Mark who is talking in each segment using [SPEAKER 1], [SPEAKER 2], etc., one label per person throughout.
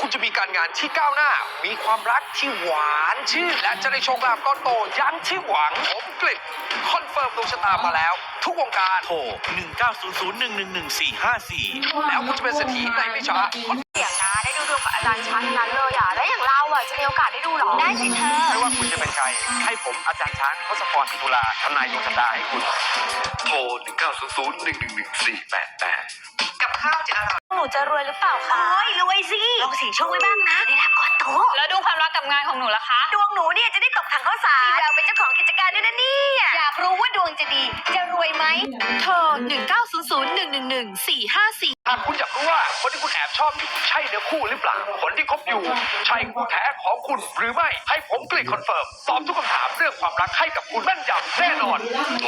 [SPEAKER 1] คุณจะมีการงานที่ก้าวหน้ามีความรักที่หวานชื่นและจะได้โชคลาภก้อนโตอยังที่หวังผมกฤษคอนเฟิร์มดวงชะตามาแล้ว ทุกวงการโทร1900111454แล้วคุณจะเป็นเศรษฐีในไม่ช้า
[SPEAKER 2] เสียงนะได้ดูดวงกับอาจารย์ช้างนั้นเลยอ่ะแล้วอย่างเราอ่ะจะมีโอกาสได้ดูหรอได้สิเธอ
[SPEAKER 3] ไม่ว่าคุณจะเป็นใครให้ผมอาจารย์ช้างทศพร ศรีตุลาทำนายดวงชะตาให้คุณ
[SPEAKER 1] โทร1900111488กับข้าวจะอร่อย
[SPEAKER 2] หนูจะรวยหรือเปล่าคะโอ้ยรวยสิลองเสี่ยงโชคไว้บ้างนะได้รับก้อนโต
[SPEAKER 4] แล้วดูความรักกับงานของหนูล่ะคะ
[SPEAKER 2] ดวงหนูเนี่ยจะได้ตกถังข้าวสารมีแววเป็นเจ้าของกิจการด้วยนะเนี่ย
[SPEAKER 4] อยากรู้ว่าดวงจะดีจะรวยไหมโทร1900111454
[SPEAKER 1] หากคุณอยากรู้ว่าคนที่คุณแอบชอบอยู่ใช่เนื้อคู่หรือเปล่าคนที่คบอยู่ใช่คู่แท้ของคุณหรือไม่ให้ผมกฤษคอนเฟิร์มตอบทุกคำถามเรื่องความรักให้กับคุณแม่นยำแน่นอนโทร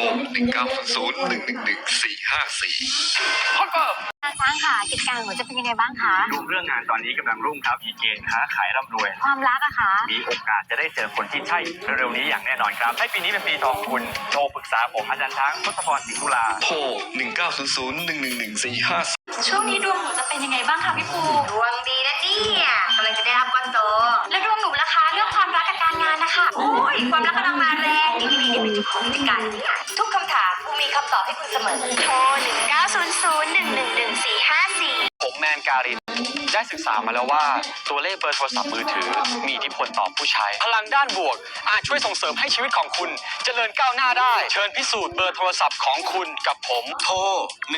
[SPEAKER 1] 1900111454คอนเฟิร์ม
[SPEAKER 2] อาจารย์ค่ะกิจการหนูจะเป็นยังไงบ้างคะ
[SPEAKER 3] ดวงเรื่องงานตอนนี้กำลังรุ่งครับมีเกณฑ์ค้าขายร่ำรวย
[SPEAKER 2] ความรักอะคะ
[SPEAKER 3] มีโอกาสจะได้เจอคนที่ใช่เร็วๆนี้อย่างแน่นอนครับให้ปีนี้เป็นปีทองคุณโทรปรึกษาผมอาจารย์ช้างทศพร ศรีตุลา
[SPEAKER 1] โทร1900111454
[SPEAKER 4] ช่วงนี้ดวงหนูจะเป็นยังไงบ้างคะพี่ปู
[SPEAKER 2] ดวงดีนะเนี่ยกำลังจะได้รับก้อนโต
[SPEAKER 4] แล้วดวงหนูล่ะคะเรื่องความรักกับการงานนะคะ
[SPEAKER 2] โอ้ยความรักกำลังมาแรงดีๆเป็นเจ้าของกิจการเนี่ยทุกคำถามกูมีคำตอบให้คุณเสมอโทร1900111454
[SPEAKER 3] ผมแมนการินได้ศึกษามาแล้วว่าตัวเลขเบอร์โทรศัพท์มือถือมีอิทธิพลต่อผู้ใช้พลังด้านบวกอาจช่วยส่งเสริมให้ชีวิตของคุณเจริญก้าวหน้าได้เชิญพิสูจน์เบอร์โทรศัพท์ของคุณกับผมโทร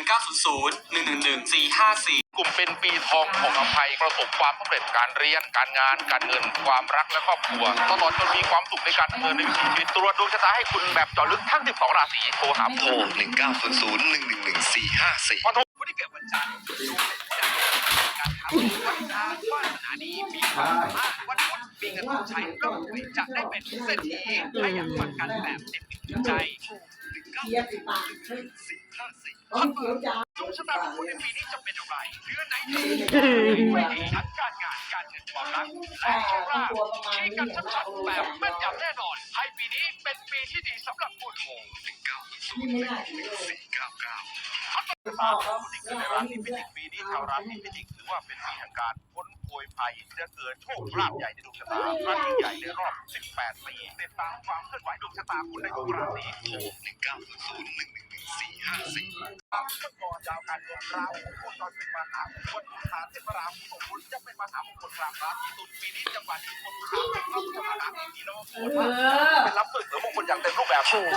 [SPEAKER 3] 1900111454
[SPEAKER 1] กลุ่มเป็นปีทองของอภัยประสบความสำเร็จการเรียนการงานการเงินความรักและครอบครัวตลอดจนมีความสุขในการดำเนินในวิถีชีวิตตรวจดวงชะตาให้คุณแบบเจาะลึกทั้ง12ราศีโทรหาโทร1900111454พอโทรคนที่เกิดวันจันทร์ดวงการทำวันทางวาสนาดีมีความสามารถวันพุธมีเงินต้องใช้ร่ำรวยจะได้เป็นเศรษฐีและอยากฟังกันแบบเต็มใจคอนเฟิร์มดวงชะตาของคุณในปีนี้จะเป็นอะไรเดือนไหนจะดีไม่ดีทั้งการงานการเงินความรักและโชคลาภชี้กันชัดๆแบบแม่นยำแน่นอนให้ปีนี้เป็นปีที่ดีสำหรับคุณโทร1900111499ราศีพิจิกปีนี้ชาวราศีพิจิกถือว่าเป็นปีแห่งการพ้นโผยภัยจะเกิดโชคลาภใหญ่ในดวงชะตาครั้งใหญ่ในรอบ18ปีติดตามความเคลื่อนไหวดวงชะตาคุณในทุกราศีโทร1900111454ขั้นตอนยาวการดวงราหูโคจรเป็นมหามงคลฐานเทพราหูของคุณจะเป็นมหามงคลราศีตุลปีนี้จังหวัดที่คนบูชาเป็นเข้าจะมาหาที่โลกเป็นรับฝึกหรือมงคลอย่างเต็มรูปแบบโทร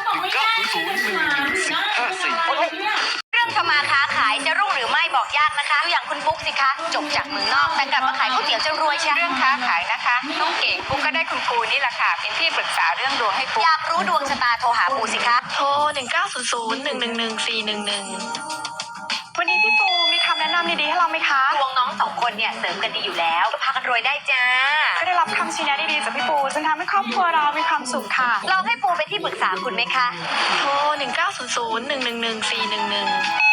[SPEAKER 1] 1900111454
[SPEAKER 2] เรื่องทำมาค้าขายจะรุ่งหรือไม่บอกยากนะคะอย่างคุณปุ๊กสิคะจบจากเมืองนอกแต่กลับมาขายก๋วยเตี๋ยวจะรวยใช่
[SPEAKER 4] เรื่องค้าขายนะคะน้องเก่งปุ๊กก็ได้คุณปูนี่แหละค่ะเป็นที่ปรึกษาเรื่องดวงให้ปุ๊ก
[SPEAKER 2] อยากรู้ดวงชะตาโทรหาปูสิคะ
[SPEAKER 4] โทร1900111411วันนี้พี่ปูมีคำแนะนำดีๆให้เราไหมคะ
[SPEAKER 2] ดวงน้อง2คนเนี่ยเสริมกันดีอยู่แล้วก็พากันรวยได้จ้า
[SPEAKER 4] ก็ได้รับคำชี้แนะดีๆจากพี่ปูจนทำให้ครอบครัวเรามีความสุขค่ะ
[SPEAKER 2] ลองให้ปูไปที่ปรึกษาคุณไหมคะ
[SPEAKER 4] โทร1900111411